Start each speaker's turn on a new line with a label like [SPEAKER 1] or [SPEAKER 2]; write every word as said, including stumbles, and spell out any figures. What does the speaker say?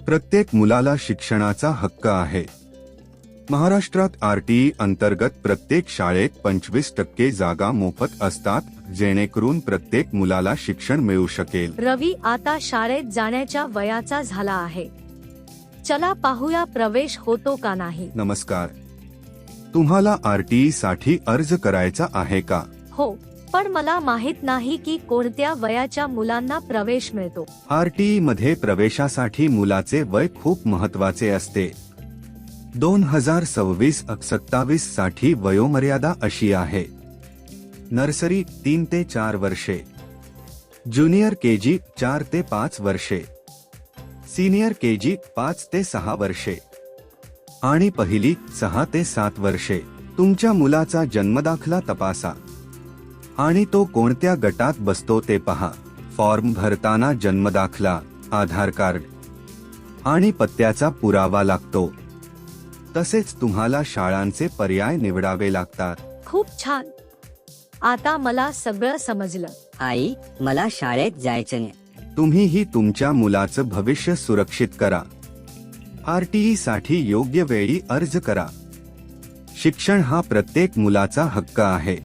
[SPEAKER 1] प्रत्येक मुलाला शिक्षणाचा हक्क आहे. महाराष्ट्रात आरटीई अंतर्गत प्रत्येक शाळेत पंचवीस टक्के जागा मोफत असतात, जेणेकरून प्रत्येक मुलाला शिक्षण मिळू शकेल.
[SPEAKER 2] रवी आता शाळेत जाण्याच्या वयाचा झाला आहे. चला पाहूया प्रवेश होतो का नाही.
[SPEAKER 1] नमस्कार. तुम्हाला आरटीई साठी अर्ज करायचा आहे का?
[SPEAKER 2] हो, पण मला माहित नाही की कोणत्या वयाच्या मुलांना प्रवेश मिळतो.
[SPEAKER 1] आरटीई मध्ये प्रवेशासाठी मुलाचे वय खूप महत्वाचे असते. दोन हजार सव्वीस सत्तावीस साठी वयोमर्यादा अशी आहे: नर्सरी तीन ते चार वर्षे, ज्युनियर केजी चार ते पाच वर्षे, सीनियर केजी पाच ते सहा वर्षे आणि पहिली सहा ते सात वर्षे. तुमच्या मुलाचा जन्मदाखला तपासा आणि तो कोणत्या गटात बसतो ते पहा. फॉर्म भरताना जन्मदाखला, आधार कार्ड आणि पत्त्याचा पुरावा लागतो. तसेच तुम्हाला शाळांचे पर्याय निवडावे लागतात.
[SPEAKER 2] खूप छान. आता मला सगळं समजलं.
[SPEAKER 3] आई, मला शाळेत जायचं नाही.
[SPEAKER 1] तुम्हीही तुमच्या मुलाचं भविष्य सुरक्षित करा. आरटीई साठी योग्य वेळी अर्ज करा. शिक्षण हा प्रत्येक मुलाचा हक्क आहे.